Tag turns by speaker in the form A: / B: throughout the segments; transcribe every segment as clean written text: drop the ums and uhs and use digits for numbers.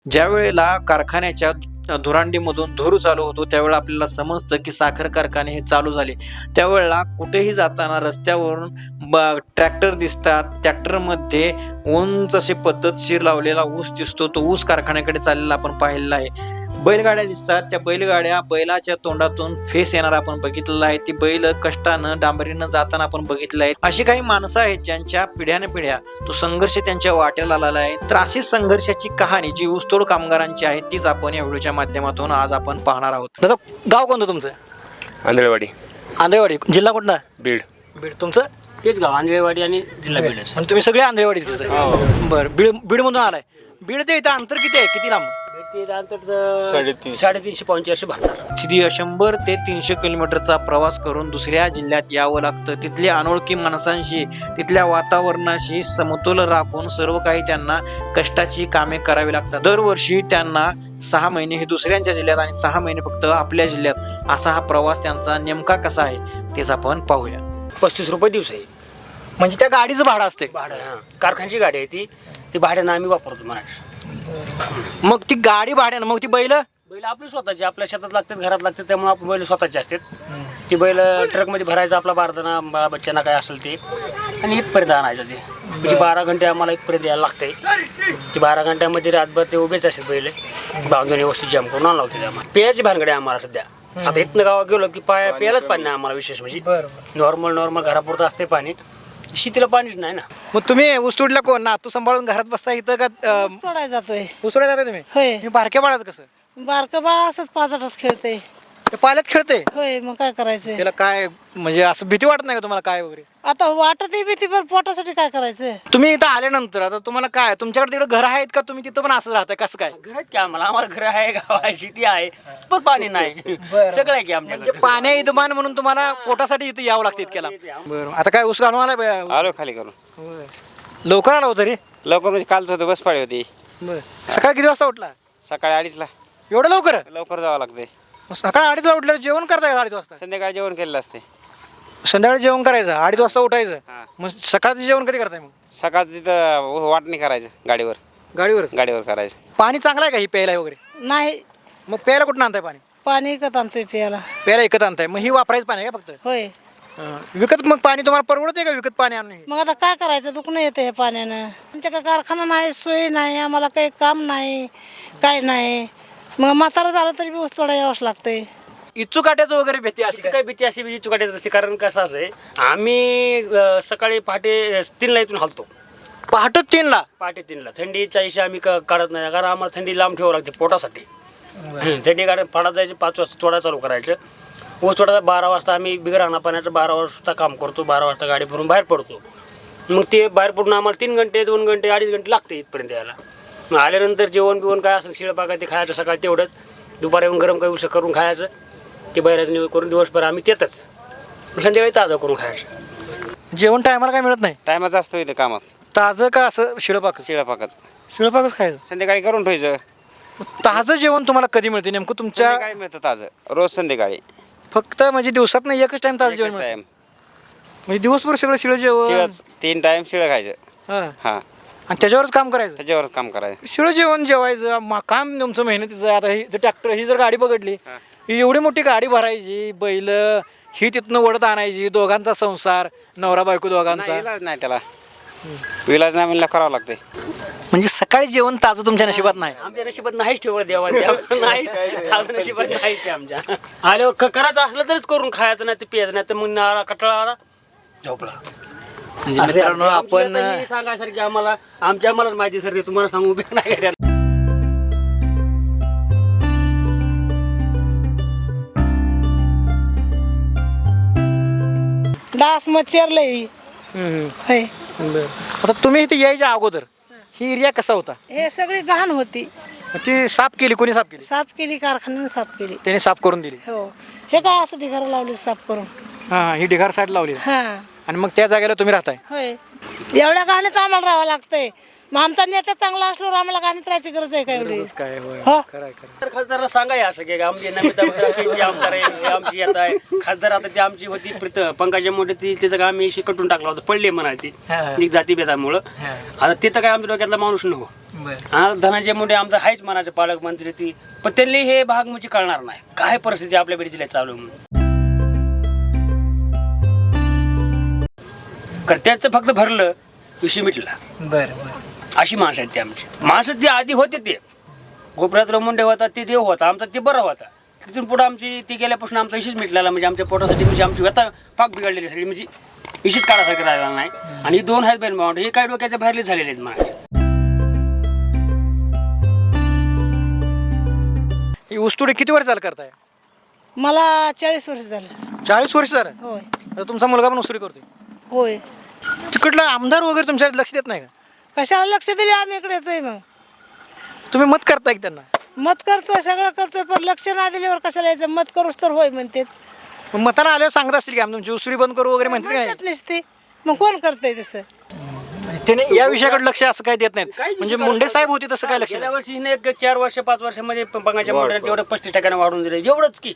A: ज्या वेळेला कारखान्याच्या धुरांडीमधून धूर चालू होतो त्यावेळेला आपल्याला समजतं की साखर कारखाने हे चालू झाले. त्यावेळेला कुठेही जाताना रस्त्यावरून ट्रॅक्टर दिसतात. ट्रॅक्टरमध्ये उंच असे पद्धतशीर लावलेला ऊस दिसतो. तो ऊस कारखान्याकडे चाललेला आपण पाहिलेला आहे. बैलगाड्या दिसतात. त्या बैलाच्या तोंडातून फेस येणारा आपण बघितलेला आहे. ती बैल कष्टानं डांबरीनं जाताना आपण बघितलं आहे. अशी काही माणसं आहेत ज्यांच्या पिढ्या तो संघर्ष त्यांच्या वाट्याला आलेला आहे. तर अशी संघर्षाची कहाणी जी ऊसतोड कामगारांची आहे तीच आपण या व्हिडिओच्या माध्यमातून आज आपण पाहणार आहोत. दादा, गाव कोणतं तुमचं? आंधळेवाडी. जिल्हा कोणता?
B: बीड.
A: तुमचं?
C: तेच गाव आंधळेवाडी आणि जिल्हा बीड.
A: आणि तुम्ही सगळे आंधळेवाडीच आहे? बरं. बीडमधून आलाय. बीड ते इथं अंतर किती आहे? किती लांब?
C: 350 पाऊण 400 भरणार.
A: 100 ते 300 किलोमीटरचा प्रवास करून दुसऱ्या जिल्ह्यात यावं लागतं. तिथल्या अनोळखी माणसांशी, तिथल्या वातावरणाशी समतोल राखून सर्व काही त्यांना कष्टाची कामे करावी लागतात. दरवर्षी त्यांना 6 महिने हे दुसऱ्यांच्या जिल्ह्यात आणि 6 महिने फक्त आपल्या जिल्ह्यात, असा हा प्रवास त्यांचा नेमका कसा आहे तेच आपण पाहूया.
C: 35 रुपये दिवस आहे.
A: म्हणजे त्या गाडीचं भाडं असते?
C: भाडं, हां, कारखान्याची गाडी आहे ती भाड्यानं आम्ही वापरतो महाराष्ट्र.
A: मग ती गाडी भाड्यानं, मग ती बैल
C: आपली स्वतःची, आपल्या शेतात लागतात, घरात लागतात, त्यामुळे आपण बैल स्वतःचे असतात. ती बैल ट्रकमध्ये भरायचं, आपला बारदाना बच्चांना काय असेल ते, आणि इथपर्यंत आणायचं. ते म्हणजे 12 घंटे आम्हाला इथपर्यंत यायला लागतंय. ती 12 घंट्यामध्ये रातभर ते उभेच असतात बैल, बांधून वस्तू जाम करून आणावं लागते. आम्हाला पेयाची भानगडी आम्हाला सध्या. आता इथनं गावात गेलो की प्यायलाच पाणी नाही आम्हाला विशेष. म्हणजे नॉर्मल घरापुरतं असते पाणी, शेतीला पाणीच नाही ना.
A: मग तुम्ही ऊस तोडला कोण ना? तू सांभाळून घरात बसता इथं का?
D: तोडाय जातोय.
A: ऊस तोडायला जाता तुम्ही?
D: होय.
A: मी बारक्या बाळाचं कसं?
D: बारकं बाळ असंच पाचाटच खेळते.
A: ते पाल्यात खेळते?
D: होय, मग काय करायचं?
A: त्याला काय म्हणजे असं भीती वाटत नाही का तुम्हाला काय वगैरे?
D: आता वाटत भीती, पण पोटासाठी काय करायचं?
A: तुम्ही इथं आल्यानंतर आता तुम्हाला काय, तुमच्याकडे तिकडे घर आहेत का? तुम्ही तिथं पण असं राहताय कसं काय?
C: घर आहेत की आम्हाला घर आहे, गाव आहे, शेती आहे, पण पाणी नाही. सगळं आहे की आमच्याकडे.
A: पाण्या इदमान म्हणून तुम्हाला पोटासाठी इथं यावं लागतं इतक्याला. बरं. आता काय ऊस घालून आलाय?
B: आलो खाली करून.
A: लवकर आला होता रे?
B: लवकर म्हणजे कालच होतं, बस पाळी होती.
A: सकाळी किती वाजता उठला?
B: सकाळी 2:30ला.
A: एवढं लवकर?
B: लवकर जावं लागते.
A: सकाळी 2:30ला उठल्यावर जेवण करताय 2:30 वाजता?
B: संध्याकाळी जेवण केलेलं असते.
A: संध्याकाळी जेवण करायचं, 2:30 वाजता उठायचं.
B: हां.
A: मग सकाळचं जेवण कधी करताय? मग
B: सकाळचं तिथं वाटणी करायचं गाडीवर
A: गाडीवर
B: करायचं.
A: पाणी चांगलं आहे का ही प्यायला वगैरे?
D: नाही,
A: मग प्यायला कुठून आणताय पाणी?
D: पाणी विकत आणतोय प्यायला.
A: प्यायला विकत आणताय? मग ही वापरायचं पाणी आहे का फक्त?
D: होय.
A: विकत मग पाणी तुम्हाला परवडते का विकत पाणी आणून?
D: मग आता काय करायचं? दुखणं येतं हे पाण्यानं. आमच्या काय कारखाना नाही, सोय नाही, आम्हाला काही काम नाही, काय नाही. मग म्हातारं झालं तरी बी ऊस तोडा यावंच लागतंय.
A: इच्छू काट्याचं वगैरे भीती असते?
C: काही भीती अशी भीती चुकाटायची असते. कारण कसं असं आहे, आम्ही सकाळी पहाटे 3ला इथून हलतो.
A: पहाटे 3ला?
C: पहाटे 3ला. थंडीच्या इशा आम्ही काढत नाही, कारण आम्हाला थंडी लांब ठेवावं लागते पोटासाठी. थंडी काढत पाडात जायचे, 5 वाजता तोडा चालू करायचं. ऊस तोडाचा 12 वाजता आम्ही बिगर आणा पाण्याचं 12 वाजता काम करतो. 12 वाजता गाडी भरून बाहेर पडतो. मग ते बाहेर पडून आम्हाला 3 घंटे 2 घंटे 2.5 घंटे लागते इथपर्यंत यायला. मग आल्यानंतर जेवण काय असेल शिळपाका ते खायचं सकाळी तेवढंच. दुपारी येऊन गरम काही उसं करून खायचं. ते बाहेरचं निवड करून दिवसभर आम्ही तेच संध्याकाळी ताजं करून खायचं.
A: जेवण टायमाला काय मिळत नाही?
B: टायमाचं असतं इथं कामात.
A: ताजं का असं शिळपाक? शिळपाकच खायचं.
B: संध्याकाळी करून ठेवायचं.
A: ताजं जेवण तुम्हाला कधी मिळते नेमकं तुमच्या?
B: संध्याकाळी मिळतं ताजं, रोज संध्याकाळी.
A: फक्त म्हणजे दिवसात नाही एकच टाइम ताजं जेवण मिळतं?
B: टाइम
A: म्हणजे दिवसभर सगळं शिळ जेवण?
B: 3 टाइम शिळं खायचं.
A: हां.
B: हां,
A: आणि त्याच्यावरच काम करायचं?
B: त्याच्यावरच काम करायचं.
A: शिळ जेवण जेवायचं काम तुमचं मेहनतीचं आहे. आता ही ट्रॅक्टर ही जर गाडी पकडली, ही एवढी मोठी गाडी भरायची, बैल ही तिथनं ओढत आणायची, दोघांचा संसार, नवरा बायको दोघांचा.
B: इलाज नाही त्याला, इलाज नाही म्हणलं करावं लागते.
A: म्हणजे सकाळी जेवण ताजं तुमच्या नशिबात नाही?
C: आमच्या नशिबात नाहीच ठेवत देवा नाही, ताजं नशिबात नाहीच ते आमच्या. आल्यावर करायचं असलं तरीच करून खायचं, नाही तर प्यायचं, नाही तर मग कटाळा आला झोपला.
A: म्हणजे मित्रांनो आपण
C: सांगायसारखी आम्हालाच माहिती सर, ते तुम्हाला सांगू बी नाही.
D: डास मच्छर लई. होय.
A: आता तुम्ही इथे यायच्या अगोदर ही एरिया कसा होता?
D: हे सगळी घाण होती.
A: ती साफ केली? कोणी साफ केली?
D: साफ केली, कारखान्याने साफ केली.
A: त्याने साफ करून दिली?
D: हो. हे काय असं ढिगारा लावली साफ करून?
A: हां, ही ढिगार साईड लावली.
D: हां.
A: आणि मग त्या जागेला तुम्ही राहताय?
D: होय. एवढ्या घाणीत आम्हाला राहावं लागतंय. मग आमचा नेता चांगला असल्यावर आम्हाला घाणीत राहायची गरज आहे का एवढी?
A: काय होय.
D: हो.
A: खरं.
C: खासदारांना सांगाय असं की आमची नमिता मित्राची आमदार आहे, आमची येत आहे खासदार. आता ती आमची होती पंकजा मुंडे, ती त्याचं काम मी कटून टाकला होता, पडले म्हणाली ती जातीभेदामुळं. आता तिथं काय आमच्या डोक्यातला माणूस नको. हा धनंजय मुंडे आमचा आहेच मनाचे पालकमंत्री ती, पण त्यांनी हे भाग म्हणजे कळणार नाही काय परिस्थिती आपल्या बीड जिल्ह्यात चालू आहे म्हणून. कारण त्याचं फक्त भरलं विषय मिटला. अशी माणसं आहेत ते आमची. माणसं ते आधी होते ते गोपीनाथराव मुंडे होता ते देव होता आमचा, ते बरं होता. तिथून पुढं आमची ती गेल्यापासून आमचा विषयच मिटलेला, म्हणजे आमच्या पोटासाठी म्हणजे आमची व्यथा पाक बिघडलेली सगळी, म्हणजे विशेष काढासारखं राहिला नाही. आणि ही 2 आहेत बहीण भावंड, हे काय डोक्याच्या बाहेरले झालेले आहेत माझे.
E: ही ऊसतोडी किती वर्ष चालू करताय?
D: मला 40 वर्ष झालं.
E: 40 वर्ष झालं.
D: होय
E: आता तुमचा मुलगा पण ऊसतोडी करतोय.
D: होय.
E: तिकडला आमदार वगैरे तुमच्याकडे लक्ष देत नाही का?
D: कशाला लक्ष दिले आम्ही इकडे येतोय मग.
E: तुम्ही मत करताय की त्यांना?
D: मत करतोय सगळं करतोय, पण लक्ष नाही दिल्यावर कशाला यायचं. मत करूच तर होय म्हणते.
E: मग मताला आल्यावर सांगत असतील की आम्ही तुमची ऊसतोडी बंद करू वगैरे म्हणतात का
D: म्हणतात नसते, मग कोण करतंय तसं.
E: नाही? त्याने या विषयाकडे लक्ष असं काय देत नाहीत. म्हणजे मुंडे साहेब होते तसं काय लक्ष
C: गेल्या
E: नाही.
C: वर्षी हिने 4 वर्ष 5 वर्षामध्ये पंगाच्या मोठ्याने तेवढं 35% वाढवून दिलं, एवढंच की.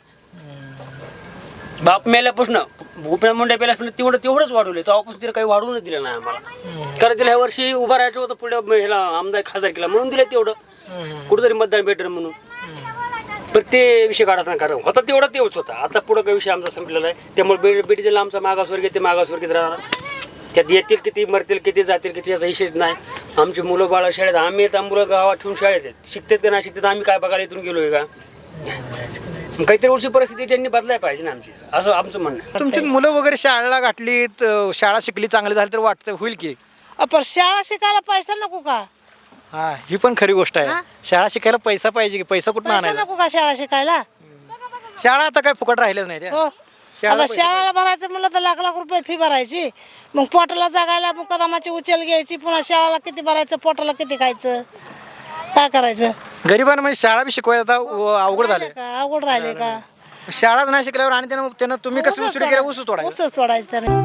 C: बाप मेल्यापासून गोपीनाथ मुंडे पेल्यापासून तेवढंच वाढवलं. तेव्हापासून तिला काही वाढवून दिलं नाही आम्हाला. कारण तिला ह्या वर्षी उभा राहायचं होतं पुढे ह्याला आमदार खासदार केला म्हणून दिलं तेवढं, कुठंतरी मतदान भेटलं म्हणून. पण ते विषय काढत नाही, कारण होता तेवढा तेवढंच होता. आता पुढं काही विषय आमचा संपलेला आहे. त्यामुळे बीड जिल्हा आमचा मागासवर्गीय ते मागासवर्गीच राहणार. त्यात येतील किती, मरतील किती, जातील किती याचा विषयच नाही. आमची मुलं बाळं शाळेत, आम्ही आता मुलं गावात ठेवून शाळेत आहेत. शिकतात का नाही शिकतात आम्ही काय बघायला इथून गेलोय का? काहीतरी वर्षी परिस्थिती त्यांनी बदलायला पाहिजे ना आमची, असं आमचं म्हणणं आहे.
E: तुमची मुलं वगैरे शाळेला घातलीत, शाळा शिकली, चांगली झाली तर वाटतं होईल की.
D: पण शाळा शिकायला पैसा नको का?
E: हा, ही पण खरी गोष्ट आहे. शाळा शिकायला पैसा पाहिजे की. पैसा कुठून
D: पैसा
E: आणायला?
D: नको का शाळा शिकायला?
E: शाळा आता काय फुकट राहिलेच नाही त्या.
D: हो. आता शाळेला भरायचं म्हणलं तर लाख लाख रुपये फी भरायची, मग पोटाला जगायला मुकदमाची उचल घ्यायची, पुन्हा शाळेला किती भरायचं, पोटाला किती खायचं, काय करायचं?
E: गरिबांना म्हणजे शाळा बी शिकवायला आता अवघड झाले.
D: का अवघड राहिले का?
E: शाळाच नाही शिकल्यावर आणि त्यानं तुम्ही कसं ऊसतोडी केल्या ऊस तोडायचं.
D: उसच तोडायचं त्याने.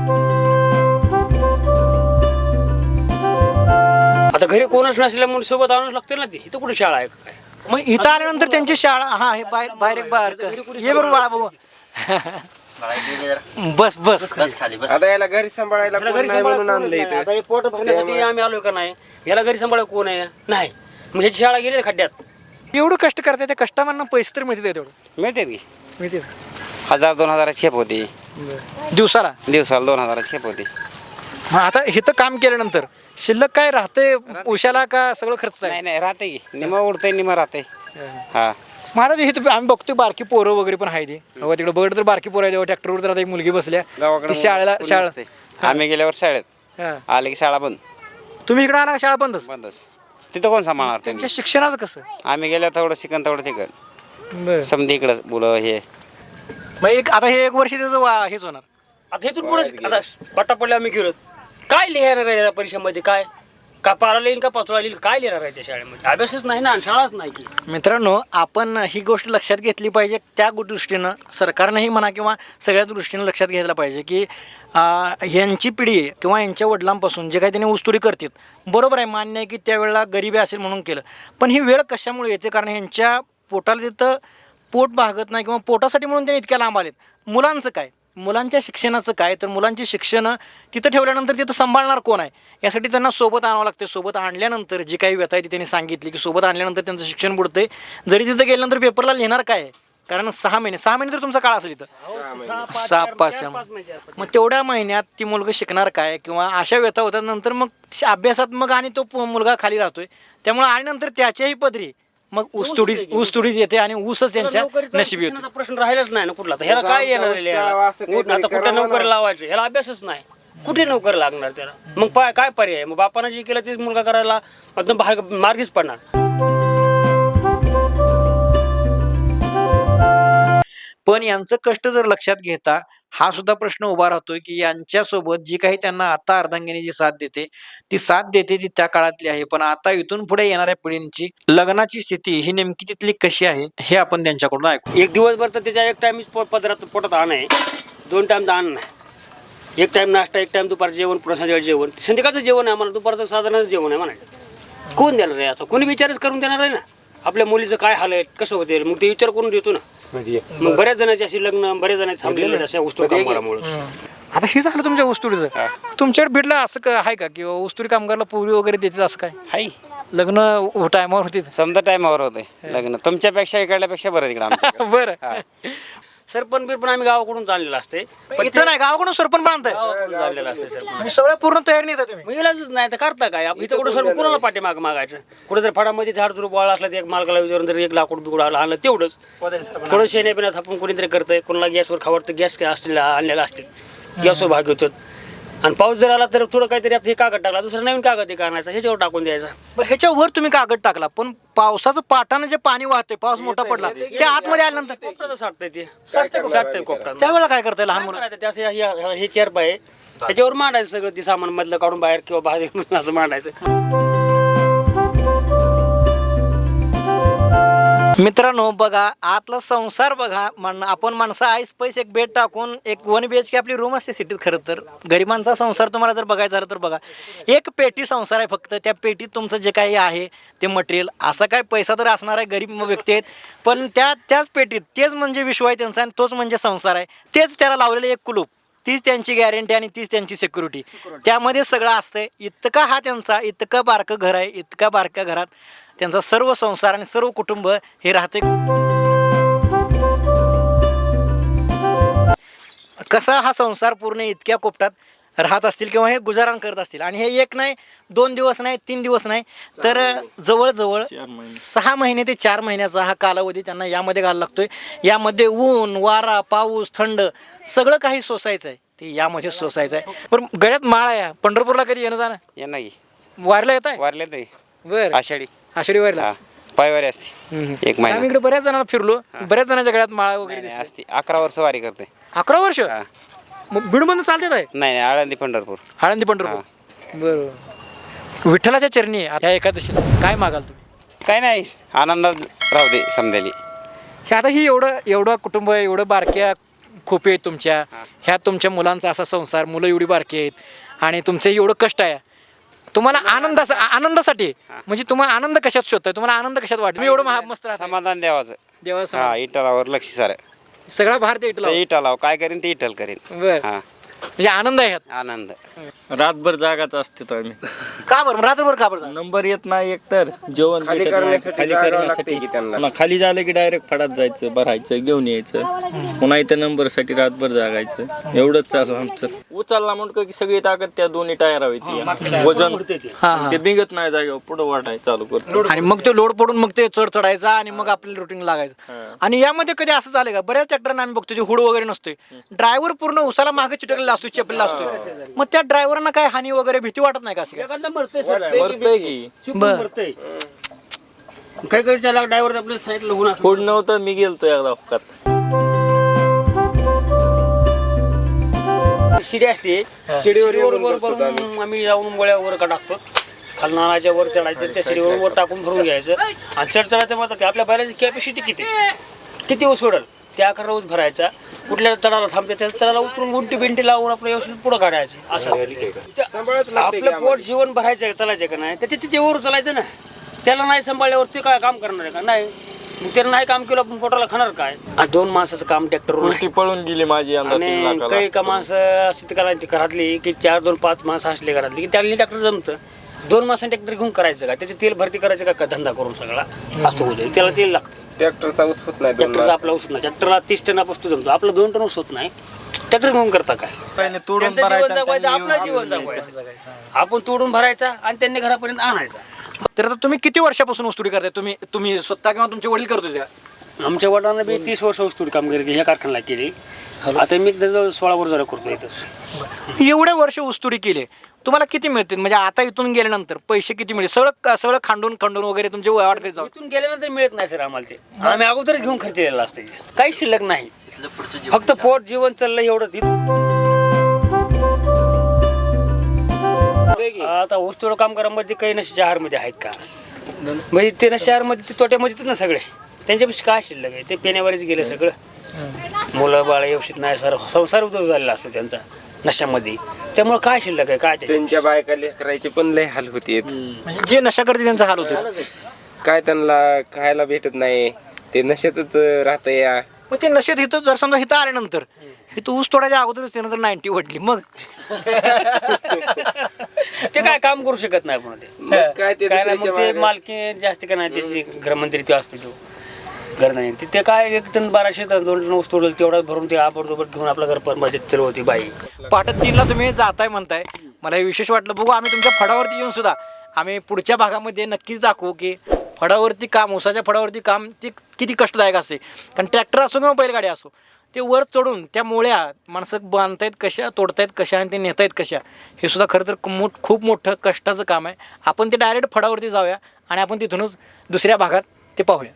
C: आता घरी कोणच नसल्यामुळे सोबत आणूच लागतं ना. ते इथं कुठे शाळा आहे काय?
E: मग इथं आल्यानंतर त्यांची शाळा, हा हे बाहेर एक बाहेर ये बरोबर बाळा बाबा. बस बस.
F: आता याला घरी सांभाळायला
C: याला
F: कोण
C: घरी
F: नाही म्हणून
C: सांभाळायला
F: आणलं
C: कोण नाही. आता
F: इथं.
C: हे पोट भरण्यासाठी आम्ही आलोय का नाही, याला घरी सांभाळा कोण आहे नाही. मग ह्याची शाळा गेली खड्ड्यात.
E: एवढं कष्ट करताय, त्या कष्टामांना पैसे तर मिळते तेवढं
B: मिळते की.
E: मिळते
B: 1000-2000 छेप होती
E: दिवसाला.
B: दिवसाला, 2000 छेप होती.
E: मग आता इथं काम केल्यानंतर शिल्लक काय राहते उशाला का सगळं खर्च आहे?
B: नाही राहते की, निम उडतंय निम राहते. हा,
E: मग आता इथं आम्ही बघतोय बारकी पोरं वगैरे पण आहे. ती तिकडे बघ तर बारकी पोरं आहे, तेव्हा ट्रॅक्टरवर तर आता एक मुलगी बसल्या
B: गावाकडे
E: ती शाळेला.
B: कोणी नसते. आम्ही गेल्यावर शाळेत
E: हा.
B: आले की शाळा बंद.
E: तुम्ही इकडे आला का शाळा बंदच?
B: बंदच. तिथं कोण सांभाळणार त्यांनी?
E: त्यांच्या शिक्षणाचं कसं?
B: आम्ही गेल्यावर तेवढं शिकन तेवढं तिकड
E: बरं.
B: समधी इकडं मुलं हे.
E: मग आता हे 1 वर्ष त्याचं हेच होणार.
C: आता इथून पुढे आता पट्टा पडले आम्ही गेलो, काय लिहायला आहे या परीक्षेमध्ये? काय का पारा लिहिल का पाचोळा लिहिल, काय लिहिणार आहे त्या शाळेमध्ये? अभ्यासच नाही ना आणि शाळाच नाही की.
E: मित्रांनो, आपण ही गोष्ट लक्षात घेतली पाहिजे. त्या दृष्टीनं सरकारनंही म्हणा किंवा सगळ्या दृष्टीनं लक्षात घ्यायला पाहिजे की यांची पिढी किंवा यांच्या वडिलांपासून जे काही त्यांनी ऊसतोडी करतात, बरोबर आहे, मान्य आहे की त्यावेळेला गरिबी असेल म्हणून केलं. पण ही वेळ कशामुळे येते? कारण यांच्या पोटाला तिथं पोट भागत नाही किंवा पोटासाठी म्हणून त्यांनी इतक्या लांब आलेत. मुलांचं काय, मुलांच्या शिक्षणाचं काय? तर मुलांची शिक्षणं तिथं ठेवल्यानंतर तिथं सांभाळणार कोण आहे? यासाठी त्यांना सोबत आणावं लागते. सोबत आणल्यानंतर जी काही व्यथा आहे ती त्यांनी सांगितली की सोबत आणल्यानंतर त्यांचं शिक्षण बुडते. जरी तिथं गेल्यानंतर पेपरला लिहिणार काय आहे? कारण 6 महिने तर तुमचा काळ असेल इथं. 6-5 मग तेवढ्या महिन्यात ती मुलगा शिकणार काय? किंवा अशा व्यथा होतात नंतर मग अभ्यासात मग आणि तो मुलगा खाली राहतोय. त्यामुळे आणि नंतर त्याच्याही पदरी मग ऊसतोडीच येते आणि ऊसच त्यांच्या नशिबी होते.
C: प्रश्न राहिलाच नाही ना कुठला. ह्याला काय येणार आहे? आता कुठे नोकरी लावायची? ह्याला अभ्यासच नाही, कुठे नोकरी लागणार त्याला? मग काय पर्याय? मग बापानं जे केलं तेच मुलगा करायला एकदम मार्गीच पडणार.
A: पण यांचं कष्ट जर लक्षात घेता हा सुद्धा प्रश्न उभा राहतोय की यांच्यासोबत जी काही त्यांना आता अर्धांगिनी जी साथ देते ती त्या काळातली आहे. पण आता इथून पुढे येणाऱ्या पिढींची लग्नाची स्थिती ही नेमकी तिथली कशी आहे हे आपण त्यांच्याकडून ऐकू.
C: एक दिवसभर तर त्याच्या एक टाइम पोटात अन्न आहे, 2 टाइम तर अन्न नाही. एक टाइम नाश्ता, एक टाइम दुपारचं जेवण, पुन्हा संध्याकाळचं जेवण. संध्याकाळचं जेवण आहे आम्हाला, दुपारचं साधारणच जेवण आहे म्हणायचं. कोण देणार आहे असं? कोणी विचारच करून देणार आहे ना? आपल्या मुलीचं काय हाल आहे, कसं होते, मग ते विचार करून देतो ना. मग बऱ्याच जणांची अशी लग्न, बऱ्याच जणांची थांबलेले अशा वस्तू कामगारामुळे.
E: आता हे झालं तुमच्या ऊसतोडीचं. तुमच्याकडे भेटलं असं आहे का किंवा ऊसतोडी कामगारला पूर्वी वगैरे देतात असं काय?
B: हाय
E: लग्न टायमावर होती
B: समजा टायमावर होते लग्न. तुमच्यापेक्षा इकडल्यापेक्षा बरं तिकडे आमच्या
E: बरं
C: सरपंच बिरपण आम्ही गावाकडून आणलेलं असते
E: इथं नाही गावाकडून सरपंच पण आणताय
C: गावाकडून आणलेलं असते सरपंच.
E: म्हणजे सगळं पूर्ण तयारी नाही तुम्ही
C: मग इलाजच नाही तर करता काय इथं कुठं सर्व कुणाला पाठीमाग मागायचं कुठं जर फडामध्ये झाड झुडूप वाळा असला तर एक मालकाला विचारून जर एक लाकूड बिकूड आणलं तेवढंच थोडं शेण्या पिण्यात आपण कोणीतरी करतंय कोणाला गॅसवर खावडतं गॅस काय असलेला आणलेला असते गॅसवर भाग घेतो आणि पाऊस जर आला तर थोडं काहीतरी आता हे कागद टाकला दुसरा नवीन कागद एक आणायचा ह्याच्यावर टाकून द्यायचा.
E: बरं ह्याच्यावर तुम्ही कागद टाकला पण पावसाचं पाटानं जे पाणी वाहते पाऊस मोठा पडला त्या आतमध्ये आल्यानंतर
C: कोपराचं साठतंय ते साठतंय कोपरा
E: त्यावेळेला काय करताय लहान मुलं
C: हे चेअर पाय ह्याच्यावर मांडायचं सगळं ते सामान मधलं काढून बाहेर किंवा बाहेर असं मांडायचं.
E: मित्रांनो बघा आतला संसार बघा आपण माणसं आईस पैसे एक बेड टाकून एक 1 BHK आपली रूम असते सिटीत. खरं तर गरिबांचा संसार तुम्हाला जर बघायचा झालं तर बघा एक पेटी संसार आहे फक्त. त्या पेटीत तुमचं जे काही आहे ते मटेरियल असा काय पैसा तर असणार आहे गरीब व्यक्ती आहेत पण त्याच पेटीत तेच म्हणजे विश्व आहे त्यांचा आणि तोच म्हणजे संसार आहे. तेच त्याला लावलेलं एक कुलूप तीच त्यांची गॅरंटी आणि तीच त्यांची सिक्युरिटी त्यामध्ये सगळं असतंय. इतका हा त्यांचा इतकं बारकं घर आहे इतका बारक्या घरात त्यांचा सर्व संसार आणि सर्व कुटुंब हे राहते. कसा हा संसार पूर्ण इतक्या कोपटात राहत असतील किंवा हे गुजारण करत असतील आणि हे 1 नाही 2 दिवस नाही 3 दिवस नाही तर जवळजवळ 6 महिने ते 4 महिन्याचा हा कालावधी त्यांना यामध्ये घालायला लागतोय. यामध्ये ऊन वारा पाऊस थंड सगळं काही सोसायचं आहे ते यामध्ये सोसायचं आहे. पण गळ्यात माळ आहे पंढरपूरला कधी येणं जाणं
B: ये नाही
E: वारीला येत आहे
B: वारले ते
E: बरं
B: आषाढी
E: आषाढी वारीला
B: पायवारी असते 1 महिना
E: आम्ही इकडे बऱ्याच जणांना फिरलो बऱ्याच जणांच्या गळ्यात माळा वगैरे दिसल्या.
B: असते 11 वर्ष वारी करते.
E: 11 वर्ष मग बीडमधून चालते आहे
B: नाही आळंदी पंढरपूर.
E: आळंदी पंढरपूर बरोबर. विठ्ठलाच्या चरणी ह्या एकादशीला काय मागाल तुम्ही?
B: काय नाही आनंदात राहू दे समजायली.
E: हे आता ही एवढं कुटुंब आहे एवढं बारक्या खोपे आहेत तुमच्या ह्या तुमच्या मुलांचा असा संसार मुलं एवढी बारकी आहेत आणि तुमचं एवढं कष्ट आहे तुम्हाला आनंदासाठी म्हणजे तुम्हाला आनंद कशात शोधताय तुम्हाला आनंद कशात वाटतो तुम्ही एवढं मस्त राहता
B: समाधान देवाचं.
E: देवा
B: इटलावर लक्ष सारं
E: सगळा भारतीय इटला
B: इटलाव काय करीन ते इटल करीन.
E: बरं म्हणजे आनंद आहे ह्यात.
B: आनंद
G: रातभर जागाच असते तो आम्ही.
E: का बरं रात्रभर का बरं
G: नंबर येत नाही एकतर जेवण
F: खाली
G: भेटत नाही.
F: करण्यासाठी
G: खाली
F: जागा
G: करण्यासाठी
F: लागते की त्यांना?
G: पुन्हा खाली झालं की डायरेक्ट फडात जायचं भरायचं घेऊन यायचं पुन्हा इथं नंबरसाठी रातभर जागायचं एवढंच चालू आमचं. उचलला म्हणतो की सगळी ताकद त्या दोन्ही टायरावर येते वजन ते बिंगत नाही जागेवर पुढं वाटायचं चालू करतो
E: आणि मग ते लोड पडून मग ते चढ चढायचा आणि मग आपल्याला रुटीन लागायचं. आणि यामध्ये कधी असं झालं का बऱ्याच ट्रॅक्टरना आम्ही बघतो जे हुड वगैरे नसते ड्रायव्हर पूर्ण उसाला मागे चिटकलेला असतो चेपलेला असतो मग त्या ड्रायव्हरना काय हानी वगैरे भीती वाटत नाही का असं काय?
C: एखादा मरतंय सर
G: मरतंय की
E: बरं.
C: मरतंय काही काही त्याला ड्रायव्हर आपल्या साईडला होऊन
G: पुढ नव्हतं मी गेलतो एकदा अपघात.
C: शिडी असते शिडीवर वर भरून आम्ही जाऊन गोळ्यावर का टाकतो खालनाच्या वर चढायचं त्या शिडीवर वर टाकून भरून घ्यायचं आणि चढायचं म्हणतात आपल्या बैलाची कॅपॅसिटी किती ऊस सोडल त्या आकारावर ऊस भरायचा कुठल्या चढाला थांबते त्या चढाला उतरून गुंटी बिंटी लावून आपलं व्यवस्थित पुढं काढायचं असं आपलं पोट जीवन भरायचं चालायचं का नाही तर तिथे वर चालायचं ना त्याला नाही सांभाळल्यावर ते काय काम करणार आहे का नाही मग त्याला नाही काम केलं आपण पोटाला खाणार काय 2 माणसाचं काम ट्रॅक्टरवर
G: ती पळून गेली माझी यंदा 3
C: आणि
G: लाखाला.
C: काही का माणसं असते करायची घरातली की 4-2-5 माणसं असली घरातली की त्याला ट्रॅक्टर जमतं 2 माणसांनी ट्रॅक्टर घेऊन करायचं का त्याचे तेल भरती करायचं का धंदा करून सगळा असं होतं त्याला तेल लागतं
F: ट्रॅक्टरचा ऊस होत नाही
C: ट्रॅक्टरचा आपला उसत नाही ट्रॅक्टरला 30 टनापासून जमतो आपला 2 टन उसत नाही ट्रॅक्टर घेऊन करता काय
G: तोडून
C: त्यांचं जीवन
G: भरायचं
C: जगवायचं
G: आणि
C: आपलं जीवन जगवायचं आपण तोडून भरायचा आणि त्यांनी घरापर्यंत आणायचा.
E: तर आता तुम्ही किती वर्षापासून ऊसतोडी करताय तुम्ही स्वतः किंवा तुमचे वडील करत होते?
C: आमच्या वडिलांना बी 30 वर्ष ऊसतोडी कामगिरी केली ह्या कारखान्याला केली आता मी 16 वर्ष जरा करतो इथंच.
E: एवढे वर्ष ऊसतोडी केले तुम्हाला किती मिळतील म्हणजे आता इथून गेल्यानंतर पैसे किती मिळतील सगळं खांडून वगैरे तुमचे वाढ करीत जाऊ
C: इथून गेल्यानंतर मिळत नाही सर आम्हाला ते आम्ही अगोदरच घेऊन खर्च केलेला असते काही शिल्लक नाही फक्त पोट जीवन चाललंय एवढं. आता ऊसतोड कामगारांमध्ये काही नशे मध्ये आहेत का म्हणजे ते नशेमध्ये ते तोट्यामध्येच ना सगळे त्यांच्यापेक्षा काय शिल्लक आहे ते पेण्यावरच गेले सगळं मुलं बाळ व्यवस्थित नाही सर संसार उद्योग झालेला असतो त्यांचा नशामध्ये त्यामुळे काय शिल्लक आहे काय
F: त्यांच्या बायका लेकरायचे पण लय हाल होते
E: म्हणजे जे नशा करते त्यांचा हाल होतो
F: काय त्यांना खायला भेटत नाही ते नशेतच राहतं या.
E: मग ते नशेत इथं जर समजा इथं आल्यानंतर इथं ऊस तोडायच्या अगोदरच त्यानं जर 90 वडली मग
C: ते काय काम करू शकत नाही आपण ते
F: मग काय ते
C: काय नाही मग
F: दुसऱ्याच्या
C: ते
F: मागं-
C: मालकी जास्त काय नाही त्याची गृहमंत्री ते असतो तो घर नाही तिथे काय 1 टन 1200 टन 2 टन ऊस तोडलं तेवढा भरून ते आपण घेऊन आपलं घर परमर्जित चालवती बाई.
E: पाटत 3ला तुम्ही जाताय म्हणताय, मला हे विशेष वाटलं. बघू आम्ही तुमच्या फडावरती येऊन सुद्धा आम्ही पुढच्या भागामध्ये नक्कीच दाखवू की फडावरती काम, ऊसाच्या फडावरती काम ते किती कष्टदायक असते. कारण ट्रॅक्टर असो किंवा बैलगाडी असो, ते वर चढून त्या मोळ्या माणसं बांधतायत कशा, तोडतायत कशा आणि ते नेतायत कशा, हे सुद्धा खरं तर खूप मोठं कष्टाचं काम आहे. आपण ते डायरेक्ट फडावरती जाऊया आणि आपण तिथूनच दुसऱ्या भागात ते पाहूया.